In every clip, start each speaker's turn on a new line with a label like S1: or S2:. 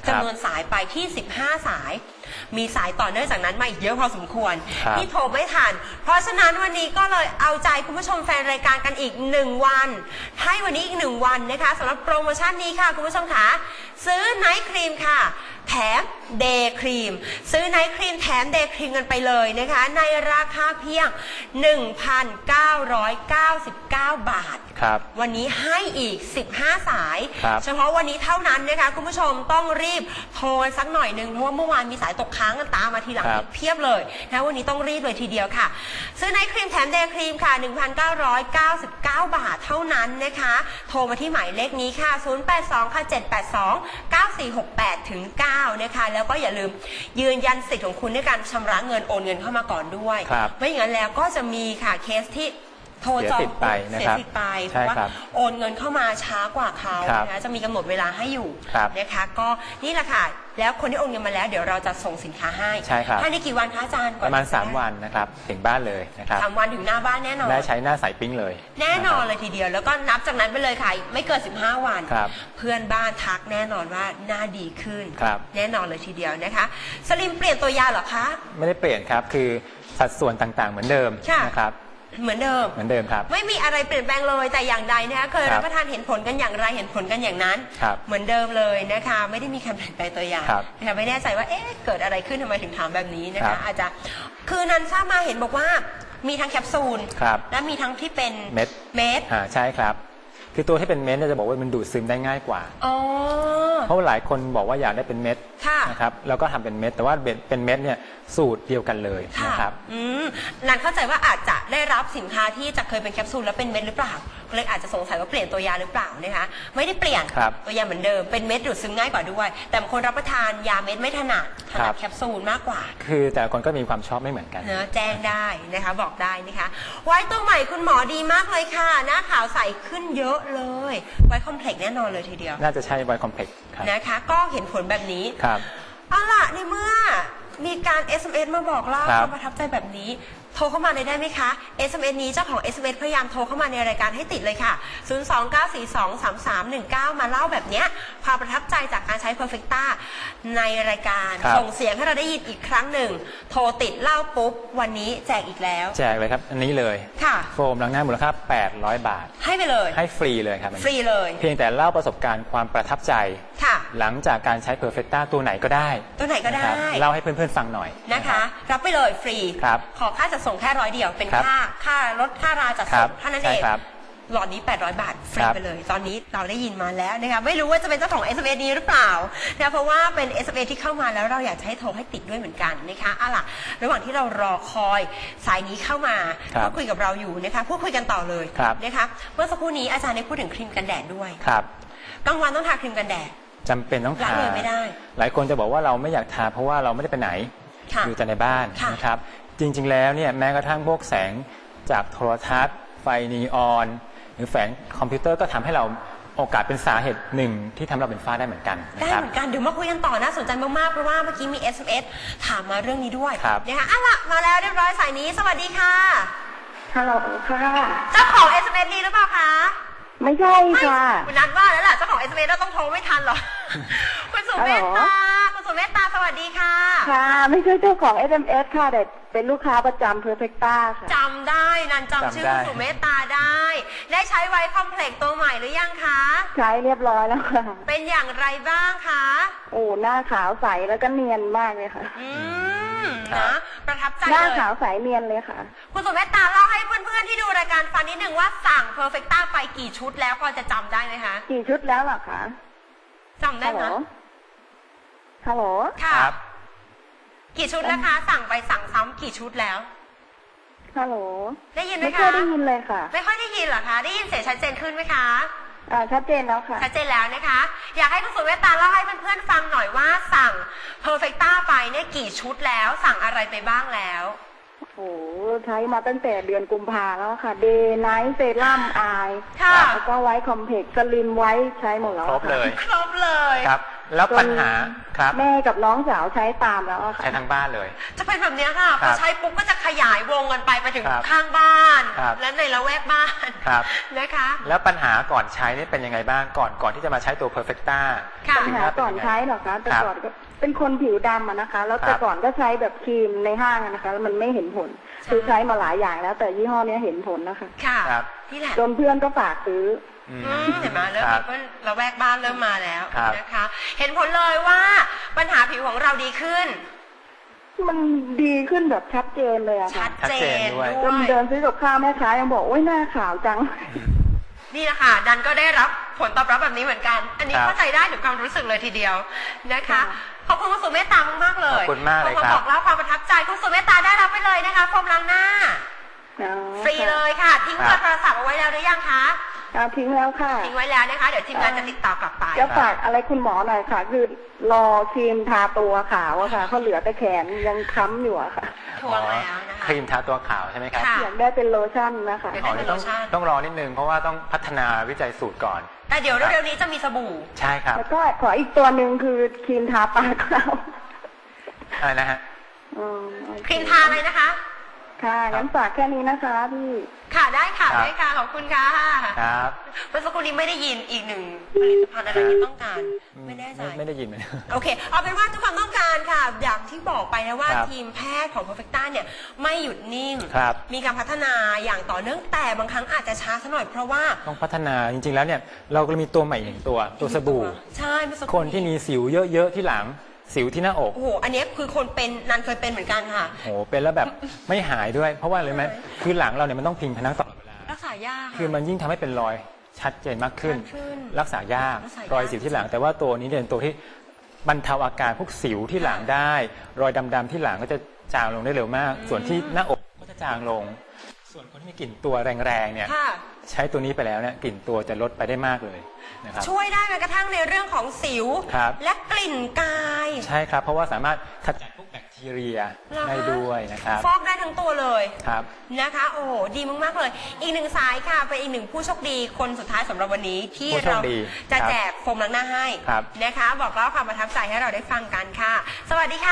S1: จำนวนสายไปที่15 สายมีสายต่อเนื่องจากนั้นมาอีกเยอะพอสมควรที่โทรไม่ทันเพราะฉะนั้นวันนี้ก็เลยเอาใจคุณผู้ชมแฟนรายการกันอีก1 วันให้วันนี้อีก1 วันนะคะสำหรับโปรโมชั่นนี้ค่ะคุณผู้ชมคะซื้อไนท์ครีมค่ะแถมเดย์ครีมซื้อไนท์ครีมแถมเดย์ครีมกันไปเลยนะคะในราคาเพียง 1,999 บาทวันนี้ให้อีก15 สายเฉพาะวันนี้เท่านั้นนะคะคุณผู้ชมต้องรีบโทรสักหน่อยนึงเพราะว่าเมื่อวานมีสายตกค้างกันตามมาทีหลังเพียบเลยนะวันนี้ต้องรีบเลยทีเดียวค่ะซื้อไนท์ครีมแถมเดย์ครีมค่ะ 1,999 บาทเท่านั้นนะคะโทรมาที่หมายเลขนี้ค่ะ082ค่ะ782 9468 ถึง 9นะคะแล้วก็อย่าลืมยืนยันสิทธิ์ของคุณด้วยการชำระเงินโอนเงินเข้ามาก่อนด้วยไม่อย่างนั้นแล้วก็จะมีค่ะเคสที่โทรจองเสียสิทธิ์ไปเพราะว่าโอนเงินเข้ามาช้ากว่าเขานะคะจะมีกำหนดเวลาให้อยู่นะคะก็นี่แหละค่ะแล้วคนที่โอนเงินมาแล้วเดี๋ยวเราจะส่งสินค้าให้ภายในกี่วันคะอาจารย์
S2: ประมาณ3 วันนะครับถึงบ้านเลยนะครับ
S1: 3 วันถึงหน้าบ้านแน่นอน
S2: ได้ใช้หน้าใสปิ้งเลย
S1: แน่นอนเลยทีเดียวแล้วก็นับจากนั้นไปเลยค่ะไม่เกิน15 วันเพื่อนบ้านทักแน่นอนว่าหน้าดีขึ้นแน่นอนเลยทีเดียวนะคะสลิมเปลี่ยนตัวยาเหรอคะ
S2: ไม่ได้เปลี่ยนครับคือสัดส่วนต่างๆเหมือนเดิมนะครับ
S1: เหมือนเดิมครับไม่มีอะไรเปลี่ยนแปลงเลยแต่อย่างใดนะคะเคยรับประทานเห็นผลกันอย่างไรเห็นผลกันอย่างนั้นเหมือนเดิมเลยนะคะไม่ได้มีการเปลี่ยนแปลงตัวยานะคะไม่แน่ใจว่าเกิดอะไรขึ้นทำไมถึงถามแบบนี้นะคะอาจจะคือนันทราบมาเห็นบอกว่ามีทั้งแคปซูลและมีทั้งที่เป็นเม็ด
S2: ใช่ครับคือตัวที่เป็นเม็ดจะบอกว่ามันดูดซึมได้ง่ายกว่าเพราะหลายคนบอกว่าอยากได้เป็นเม็ดนะครับแล้วก็ทำเป็นเม็ดแต่ว่าเป็นเม็ดเนี่ยสูตรเดียวกันเลยนะครับ
S1: นันเข้าใจว่าอาจจะได้รับสินค้าที่จะเคยเป็นแคปซูลแล้วเป็นเม็ดหรือเปล่าเลยอาจจะสงสัยว่าเปลี่ยนตัวยาหรือเปล่านะคะไม่ได้เปลี่ยนตัวยาเหมือนเดิมเป็นเม็ดดูดซึมง่ายกว่าด้วยแต่บางคนรับประทานยาเม็ดไม่ถนัดแคปซูลมากกว่า
S2: คือแต่ละคนก็มีความชอบไม่เหมือนกัน
S1: นะแจ้งได้นะคะบอกได้นะคะไว้ตัวใหม่คุณหมอดีมากเลยค่ะหน้าขาวใสขึ้นเยอะเลยไวคอมเพล็กซ์แน่นอนเลยทีเดียว
S2: น่าจะใช่ไวคอมเพล็กซ์
S1: นะคะก็เห็นผลแบบนี้เอาล่ะในเมื่อมีการ SMS มาบอกเล่าความประทับใจแบบนี้โทรเข้ามาเลยได้ไหมคะ SMS นี้เจ้าของ SMS พยายามโทรเข้ามาในรายการให้ติดเลยค่ะ029423319มาเล่าแบบนี้ความประทับใจจากการใช้ Perfecta ในรายการส่งเสียงให้เราได้ยินอีกครั้งหนึ่งโทรติดเล่าปุ๊บวันนี้แจกอีกแล้ว
S2: แจกเลยครับอันนี้เลยโฟมล้างหน้ามูลค่า800 บาท
S1: ให้ไปเลย
S2: ให้ฟรีเลยครับ
S1: ฟรีเลย
S2: เพียงแต่เล่าประสบการณ์ความประทับใจหลังจากการใช้ Perfecta ตัวไหนก็ได้เล่าให้เพื่อนๆฟังหน่อย
S1: นะคะรับไปเลยฟรีขอค่าจัดส่งแค่100 เดียวเป็นค่ารถค่าราจัดส่งเท่านั้นเองหลอดนี้800 บาทฟรีไปเลยตอนนี้เราได้ยินมาแล้วนะคะไม่รู้ว่าจะเป็นเจ้าของ SMS นี้หรือเปล่านะเพราะว่าเป็น SMS ที่เข้ามาแล้วเราอยากให้โทรให้ติดด้วยเหมือนกันนะคะล่ะระหว่างที่เรารอคอยสายนี้เข้ามาพูดคุยกับเราอยู่นะคะพูดคุยกันต่อเลยนะคะเมื่อสักครู่นี้อาจารย์ได้พูดถึงครีมกันแดดด้วยกลางวันต้องทาครีมกันแดด
S2: จำเป็นต้องทา
S1: เลยไม่ได้
S2: หลายคนจะบอกว่าเราไม่อยากทาเพราะว่าเราไม่ได้ไปไหนอยู่แต่ในบ้านนะครับจริงๆแล้วเนี่ยแม้กระทั่งพวกแสงจากโทรทัศน์ไฟนีออนหรือแสงคอมพิวเตอร์ก็ทำให้เราโอกาสเป็นสาเหตุหนึ่งที่ทำเราเป็นฝ้าได้เหมือนกัน
S1: ได้เหมือนกันเดี๋ยวมาคุยกันต่อน่าสนใจมากๆเพราะว่าเมื่อกี้มี SMS ถามมาเรื่องนี้ด้วยนะคะล่ะมาแล้วเรียบร้อยสายนี้สวัสดีค่ะ
S3: ฮัลโหลค่ะ
S1: เจ้าของ SMS นี้หรือเปล่าคะ
S3: ไม่ใช่ค่ะ
S1: คุณนัดว่าแล้วแหละเจ้าของ SMS เราต้องโทรไม่ทันหรอคุณสุเมตตาสวัสดีค่ะ
S3: ค่ะไม่ใช่เจ้าของ SMS ค่ะแต่เป็นลูกค้าประจำ Perfecta ค่ะ
S1: จำได้นันจำชื่อคุณสุเมตตาได้ใช้ไวท์คอมเพล็กซ์ตัวใหม่หรือยังคะ
S3: ใช้เรียบร้อยแล้วค่ะ
S1: เป็นอย่างไรบ้างคะ
S3: โอ้หน้าขาวใสแล้วก็เนียนมากเลยค่ะ
S1: นะประทับใจ
S3: หน้าขาวใสเนียนเลยค่ะ
S1: คุณสุเมตตาเล่าให้เพื่อนๆที่ดูรายการฟังนิดนึงว่าสั่ง Perfecta ไปกี่ชุดแล้วพอจะจำได้ไหมคะ
S3: กี่ชุดแล้วหรอคะ
S1: จำได้ไหม
S3: ฮัลโหล
S1: ค่ะกี่ชุดแล้วคะสั่งไปสั่งซ้ำกี่ชุดแล้ว
S3: ฮัลโหล
S1: ได้ยินไหมคะ
S3: ไม่ค่อยได้ยินเลยค่ะ
S1: ไม่ค่อยได้ยินเหรอคะได้ยินเสียงชัดเจนขึ้นไหมคะ
S3: ชัดเจนแล้วค่ะ
S1: ชัดเจนแล้วนะคะอยากให้คุณสุเมตตาเล่าให้เพื่อนๆฟังหน่อยว่าสั่ง Perfecta ไปเนี่ยกี่ชุดแล้วสั่งอะไรไปบ้างแล้ว
S3: โอ้ใช้มาตั้งแต่เดือนกุมภาแล้วค่ะเดย์ไนท์เซรั่มอายแล้วก็ไวท์คอมเพล็กซ์สลิมไวท์ใช้หมดแล้ว
S2: ครบเลย
S1: ครับ
S2: แล้วปัญหาครับ
S3: แม่กับน้องสาวใช้ตามแล้วอะค่ะ
S2: ใช้ทั้งบ้านเลย
S1: จะเป็นแบบเนี้ยค่ะพ
S2: ครั
S1: อบ ใช้ปุ๊บก็จะขยายวงกันไปถึง
S2: ครับ
S1: ข้างบ้าน
S2: ครับ
S1: และในละแวกบ้าน
S2: ครับ
S1: นะคะ
S2: แล้วปัญหาก่อนใช้นี่เป็นยังไงบ้างก่อนที่จะมาใช้ตัว Perfecta
S1: ค่ะ
S3: ปัญหาก่อนใช้เหรอคะแต่
S2: ครับ
S3: ก่อนก็เป็นคนผิวดำอะนะคะ แล้วแต่ก่อนก็ใช้แบบครีมในห้างอะนะคะแล้วมันไม่เห็นผล
S1: ใช่
S3: คือใช้มาหลายอย่างแล้ว แต่ยี่ห้อเนี้ยเห็นผลนะคะ
S1: ค่ะ
S2: ครับ
S1: นี่แหละ
S3: จนเพื่อนก็ฝากซื้อ
S2: อืม
S1: เห็นไหมเริ่ม
S2: ครั
S1: มี
S2: บ
S1: เพื่อนละแวกบ้านเริ่มมาแล้ว
S2: ครับ
S1: นะคะ เห็นผลเลยว่าปัญหาผิวของเราดีขึ้น
S3: มันดีขึ้นแบบชัดเจนเลยอะ
S1: ชั
S3: ค่ะ
S1: ด
S2: ชัด
S1: เจ
S2: เจน
S1: น
S2: ด้วย
S3: จนเดินซื้อกับข้าวแม่ค้ายังบอกโอ๊ยหน้าขาวจัง
S1: นี่แหละค่ะดันก็ได้รับผลตอบรับแบบนี้เหมือนกัน อันนี้
S2: ครับ
S1: เข้าใจได้ถึงความรู้สึกเลยทีเดียวนะคะ
S3: ค่ะ
S1: ขอบคุณคุณสุเมตตามากๆเลย
S2: ขอบคุณมากเลย
S1: ขอ
S2: ครับ
S1: บอกเล่าความประทับใจคุณสุเมตตาได้รับไปเลยนะคะโฟมล้างหน้า
S3: อ๋อ
S1: ฟรีเลยค่ะ ทิ้งเบอร์โทรศัพท์เอาไว้แล้วหรือยังคะ
S3: ค่ะทิ้งแล้วค่ะ
S1: ทิ้งไว้แล้วนะคะ เดี๋ยวทีมงานจะติดต่อกลับไป
S3: จะฝากอะไรคุณหมอหน่อยค่ะ คือรอครีมทาตัวขาวอะค่ะเขาเหลือแต่แขนยังค้ำอยู่อะค่ะ
S1: ทวงแล้วนะคะ
S2: ครีมทาตัวขาวใช่ไหมครับ
S1: ค่ะ
S3: อยากได้เป็นโลชั่นนะคะ
S1: เดี๋ยว
S2: อ๋อ
S1: ได้
S2: นี่ต้องรอนิดนึงเพราะว่าต้องพัฒนาวิจัยสูตรก่อน
S1: แต่เดี๋ยวเร็วๆนี้จะมีสบู่
S2: ใช่ครับ
S3: แล้วก็ขออีกตัวหนึ่งคือครีมทาปากเรา
S2: อะไรนะฮะ
S3: อืม
S1: ครีมทาอะไรนะคะ
S3: ค่ะงั้นฝากแค่นี้นะคะพี่
S1: ค่ะได้ค่ะ
S2: ครับ
S1: ได้ค่ะขอบคุณค่ะ
S2: ครับ
S1: เมื่อสักครู่นี้ไม่ได้ยินอีกหนึ่งผลิตภัณฑ์อะไรที่ต้องการ ไม่แน่ใจ
S2: ไม่ได้ยินเลย
S1: โอเค เอาเป็นว่าทุกความต้องการค่ะ อย่างที่บอกไปนะว่า
S2: ครับ
S1: ทีมแพทย์ของ Perfecta เนี่ยไม่หยุดนิ่ง
S2: ครับ
S1: มีการพัฒนาอย่างต่อเนื่องแต่บางครั้งอาจจะช้าสักหน่อยเพราะว่า
S2: ต้องพัฒนาจริงๆแล้วเนี่ยเราก็มีตัวใหม่หนึ่งตัวสบู่
S1: ใช่เมื่อสักค
S2: ค
S1: รู่
S2: นที่มีสิวเยอะๆที่หลังสิวที่หน้าอก
S1: โอ้โห อันนี้คือคนเป็นนันเคยเป็นเหมือนกันค่ะ
S2: โหเป็นแล้วแบบไม่หายด้วย เพราะว่าอะไรไหมคือหลังเราเนี่ยมันต้องพิงพนักตลอดเวลา
S1: รักษายาก
S2: คือมันยิ่งทำให้เป็นรอยชัดเจนมากขึ้น
S1: ชัดขึ้น
S2: รักษายาก
S1: รักษายาก
S2: รอยสิวที่หลัง แต่ว่าตัวนี้เนี่ยเป็นตัวที่บรรเทาอาการพวกสิวที่หลังได้ รอยดำๆที่หลังก็จะจางลงได้เร็วมาก ส่วนที่หน้าอกก็จะจางลง ส่วนคนที่มีกลิ่นตัวแรงๆเนี่ย
S1: ค่ะ
S2: ใช้ตัวนี้ไปแล้วเนี่ยกลิ่นตัวจะลดไปได้มากเลยนะครับ
S1: ช่วยได้แม้กระทั่งในเรื่องของสิว
S2: ครับ
S1: และกลิ่นกาย
S2: ใช่ครับ เพราะว่าสามารถขจัดพวกแบคทีเรีย
S1: เหรอคะ
S2: ได้ด้วยนะครับ
S1: ฟอกได้ทั้งตัวเลย
S2: ครับ
S1: นะคะ โอ้โหดีมากๆเลย อีกหนึ่งสายค่ะเป็นอีกหนึ่งผู้โชคดีคนสุดท้ายสำหรับวันนี้ที่
S2: ผู้โช
S1: เรา
S2: คดี
S1: จะ
S2: ครับ
S1: แจกโฟมล้างหน้าให้
S2: ครับ
S1: นะคะ บอกเล่าความประทับใจให้เราได้ฟังกันค่ะ สวัสดีค่ะ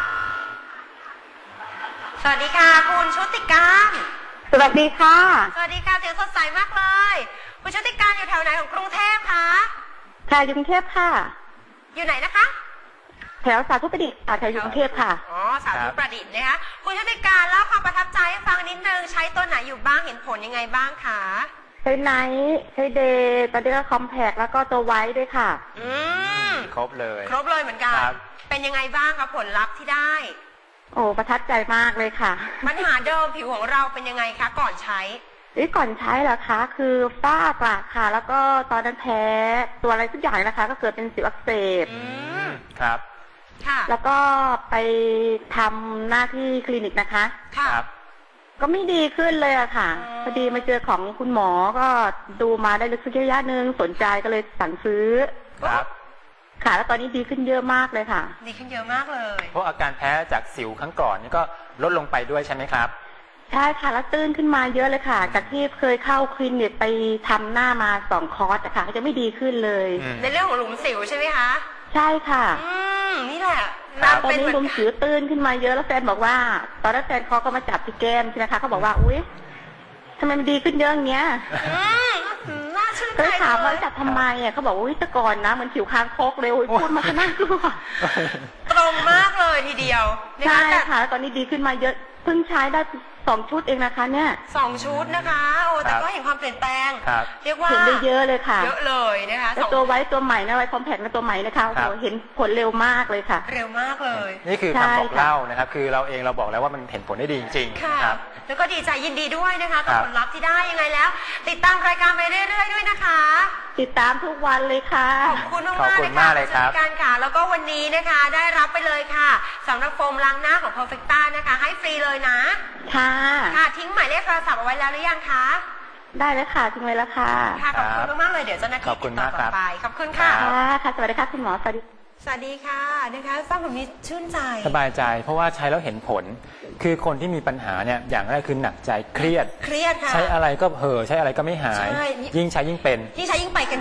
S1: สวัสดีค่ะ คุณชุติการ
S3: สวัสดีค่ะ
S1: สวัสดีค่ะเสียงสดใสมากเลย คุณชุติการอยู่แถวไหนของกรุงเทพคะ
S3: ค่ะอยู่กรุงเทพค่ะ
S1: อยู่ไหนนะคะ
S3: แถวสาธุประดิษฐ์ค่ะแถวอยู่กรุงเทพค่ะ
S1: อ๋อสาธุประดิษฐ์นะคะคุณชุติการเล่าความประทับใจให้ฟังนิดนึงใช้ตัวไหนอยู่บ้างเห็นผลยังไงบ้างคะ
S3: ใช้ไนท์ใช้เดย์ตอนนี้ก็คอมแพกแล้วก็ตัวไว้ด้วยค่ะ
S1: อืม
S2: ครบเลย
S1: ครบเลยเหมือนกัน
S2: ครับ
S1: เป็นยังไงบ้างคะผลลัพธ์ที่ได้
S3: โอ้ประทับใจมากเลยค่ะ
S1: ปัญหาเดิมผิวของเราเป็นยังไงคะก่อนใช้
S3: นี่ก่อนใช้เหรอคะ คือฝ้ากระค่ะ แล้วก็ตอนนั้นแพ้ตัวอะไรทุกอย่างนะคะ ก็เกิดเป็นสิวอักเสบ
S1: อืม
S2: ครับ
S1: ค่ะ
S3: แล้วก็ไปทำหน้าที่คลินิกนะคะ
S1: ค่ะ
S2: ครับ
S3: ก็ไม่ดีขึ้นเลยอะค่ะ
S1: อ๋อ
S3: พอดีมาเจอของคุณหมอก็ดูมาได้ลึกซึ้งระยะหนึ่งสนใจก็เลยสั่งซื้อ
S2: ครับ
S3: ค่ะ แล้วตอนนี้ดีขึ้นเยอะมากเลยค่ะ
S1: ดีขึ้นเยอะมากเลย
S2: เพราะอาการแพ้จากสิวครั้งก่อนนี่ก็ลดลงไปด้วยใช่ไหมครับ
S3: ใช่ค่ะ แล้วตื้นขึ้นมาเยอะเลยค่ะ จากที่เคยเข้าคลินิกไปทำหน้ามา2 คอร์สอะค่ะก็จะไม่ดีขึ้นเลย
S2: อืม
S1: ในเรื่องของหลุมสิวใช่ไหมคะ
S3: ใช่ค่ะ
S1: อืมนี่แหละ
S2: ครับ
S3: ตอน
S1: เป็น
S3: นี้
S1: เหมือน
S3: ลุมสิวตื้นขึ้นมาเยอะแล้วแฟนบอกว่า ตอนนั้นแฟนเขาก็มาจับที่แก้มใช่ไหมคะเขาบอกว่าอุ๊ยทำไมมันดีขึ้นเยอะอย่างเงี้ย
S1: อืมน่าชื่น
S3: ก็
S1: ใจ
S3: เลยถามว่า
S1: เลย
S3: จับทำไมอ่ะเขาบอกว่าอุ๊ยแต่ก่อนนะเหมือนผิวคางคกเลยโอ้ยพูดมาขนาดกลัว
S1: ตรงมากเลยทีเดียวนะ
S3: ใช่
S1: คะแต่
S3: ค่ะแล้วตอนนี้ดีขึ้นมาเยอะเพิ่งใช้ได้2 ชุดเองนะคะเนี่ย
S1: 2 ชุดนะคะโอ้แต่
S2: ครับ
S1: ก็เห็นความเปลี่ยนแปลง
S2: ครับ
S1: เรียกว่า
S3: เห็นได้เยอะเลยค่ะ
S1: เยอะเลยนะคะ
S3: แล้ว
S1: สอง
S3: ตัวไว้ตัวใหม่นะไว้คอมแพคนะตัวใหม่นะคะโอ้
S2: ครั
S3: โห
S2: บ
S3: เห็นผลเร็วมากเลยค่ะ
S1: เร็วมากเลย
S2: นี่คือ
S3: ใช่
S2: คำบอก
S3: ค่ะ
S2: เล่านะครับ คือเราเองเราบอกแล้วว่ามันเห็นผลได้ดีจริงๆ
S1: ค่ะ
S2: นะครับ
S1: แล้วก็ดีใจยินดีด้วยนะคะกับ
S2: ครับ
S1: ผลลัพธ์ที่ได้ยังไงแล้ว ติดตามรายการไปเรื่อยๆด้วยนะคะ
S3: ติดตามทุกวันเลยค่ะ
S1: ขอบคุณมาก
S2: ขอบ
S1: ๆ
S2: คุ
S1: เล
S2: ณ
S1: ยค่ะ
S2: มากเลยครับ
S1: ผู้จัดการค่ะ แล้วก็วันนี้นะคะได้รับไปเลยค่ะสำหรับโฟมล้างหน้าของ Perfecta นะคะ ให้ฟรีเลยนะ
S3: ค่ะ
S1: ค่ะทิ้งหมายเลขโทรศัพท์เอาไว้แล้วหรือยังคะ
S3: ได้แล้วค่ะทิ้งไว้แล้วค่ะ
S1: ค่ะขอบคุณมากๆเลยเดี๋ยวเจ้าหน้าที่
S2: ขอบคุ
S1: ติ
S2: ณ
S1: ดต่อ
S2: มาก
S1: ก
S2: ครั
S1: ลั
S2: บ
S1: บไปขอบคุณค่ะ
S2: ครับ
S3: ค่ะค่ะสวัสดีค่ะคุณหมอสวัสดี
S1: สวัสดีค่ะนะคะฟังแบบนี้ชื่นใจ
S2: สบายใจเพราะว่าใช้แล้วเห็นผล คือคนที่มีปัญหาเนี่ยอย่างแรกคือหนักใจเครียด
S1: เครียดค่ะ
S2: ใช้อะไรก็เห่อใช้อะไรก็ไม่หาย
S1: ใช่
S2: ยิ่งใช้ยิ่งเป็น
S1: ที่ใช้ยิ่งไปกันใหญ่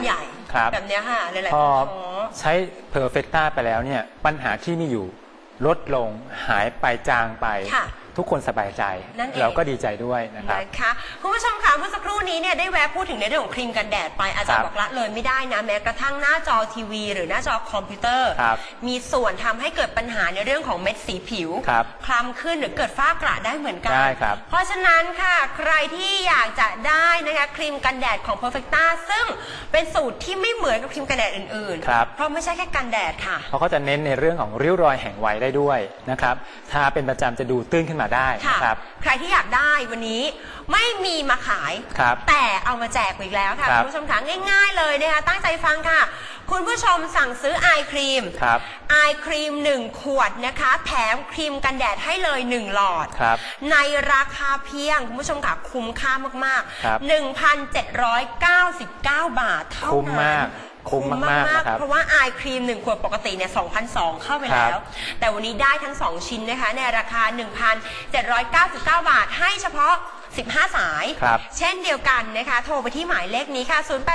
S1: แบบเนี้ยค่ะหลายๆ
S2: พ
S1: ค
S2: อน
S1: ท้อ
S2: ใช้เพอร์เฟกต้าไปแล้วเนี่ยปัญหาที่มีอยู่ลดลงหายไปจางไป
S1: ค่ะ
S2: ทุกคนสบายใจ
S1: นั่นเอง
S2: เราก็ดีใจด้วยนะครับ
S1: นะคะคุณผู้ชมค่ะเมื่อสักครู่นี้เนี่ยได้แวะพูดถึงในเรื่องของครีมกันแดดไปอาจารย์
S2: ครับ
S1: บอกละเลยไม่ได้นะแม้กระทั่งหน้าจอทีวี หรือหน้าจอคอมพิวเตอร์
S2: ครับ
S1: มีส่วนทำให้เกิดปัญหาในเรื่องของเม็ดสีผิว
S2: ครับ
S1: คล้ำขึ้นหรือเกิดฝ้ากระได้เหมือนกัน
S2: ได้ครับ
S1: เพราะฉะนั้นค่ะใครที่อยากจะได้นะคะครีมกันแดดของ Perfecta ซึ่งเป็นสูตรที่ไม่เหมือนกับครีมกันแดดอื่น
S2: ครับ
S1: เพราะไม่ใช่แค่กันแดดค่ะ
S2: เพราะเขาจะเน้นในเรื่องของริ้วรอยแห่งวัยได้ด้วยนะครับทาเป็นประจำจะดูตื้นขึ้นมาได้
S1: ค่ะ
S2: นะครับ
S1: ใครที่อยากได้วันนี้ไม่มีมาขาย
S2: ครับ
S1: แต่เอามาแจกอีกแล้วค่ะ
S2: ครั
S1: คุ
S2: บ
S1: ณผู้ชมคะง่ายๆเลยนะคะตั้งใจฟังค่ะ คุณผู้ชมสั่งซื้อไอครีม
S2: ครับ
S1: ไอครีม1ขวดนะคะแถมครีมกันแดดให้เลย1หลอด
S2: ครับ
S1: ในราคาเพียงคุณผู้ชมค่ะคุ้มค่ามาก
S2: ครับ
S1: ๆ 1,799 บาทเท่านั้น
S2: คุ้มมากคุ้มมากๆนะครับ
S1: เพราะว่าไอครีม1ขวดปกติเนี่ย 2,200 เข้าไปแล้ว แต่วันนี้ได้ทั้ง 2 ชิ้นนะคะในราคา 1,799 บาทให้เฉพาะ 15 สาย
S2: ครับ
S1: เช่นเดียวกันนะคะ โทรไปที่หมายเลขนี้ค่ะ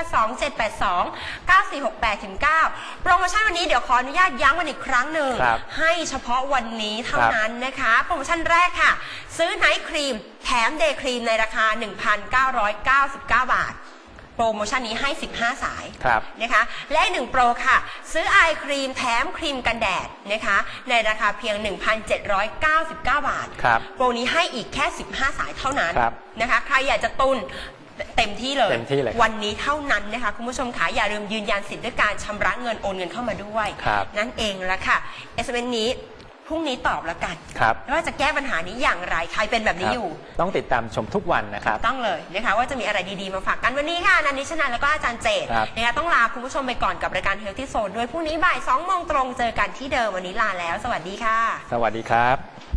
S1: 0827829468-9 โปรโมชั่นวันนี้เดี๋ยวขออนุญาตย้ำกันอีกครั้งหนึ่ง
S2: ครับ
S1: ให้เฉพาะวันนี้เท่านั้นนะคะ โปรโมชั่นแรกค่ะ ซื้อไนท์ครีมแถมเดย์ครีมในราคา 1,999 บาท โปรโมชั่นนี้ให้ 15 สาย
S2: ครับ
S1: นะคะและอีก1โปรค่ะ ซื้อไอครีมแถมครีมกันแดดนะคะในราคาเพียง 1,799 บาท
S2: ครับ
S1: โปรนี้ให้อีกแค่ 15 สายเท่านั้น
S2: ครับ
S1: นะคะใครอยากจะตุนเต็มที่เลย
S2: เต็มที่เลยครับ
S1: วันนี้เท่านั้นนะคะคุณผู้ชมขาอย่าลืมยืนยันสิทธิ์ด้วยการชำระเงินโอนเงินเข้ามาด้วย
S2: ครับ
S1: นั่นเองละค่ะ SMS นี้พรุ่งนี้ตอบแล้วกัน
S2: ครับ
S1: ว่าจะแก้ปัญหานี้อย่างไรใครเป็นแบบนี้
S2: ครับ
S1: อยู่
S2: ต้องติดตามชมทุกวันนะครับ
S1: ต้องเลยนะคะว่าจะมีอะไรดีๆมาฝากกันวันนี้ค่ะนันนิชนันแล้วก็อาจารย์เจต
S2: ครับ
S1: นะคะต้องลาคุณผู้ชมไปก่อนกับรายการ Healthy Zone ด้วยพรุ่งนี้บ่าย 2 โมงตรงเจอกันที่เดิมวันนี้ลาแล้ว สวัสดีค่ะ
S2: สวัสดีครับ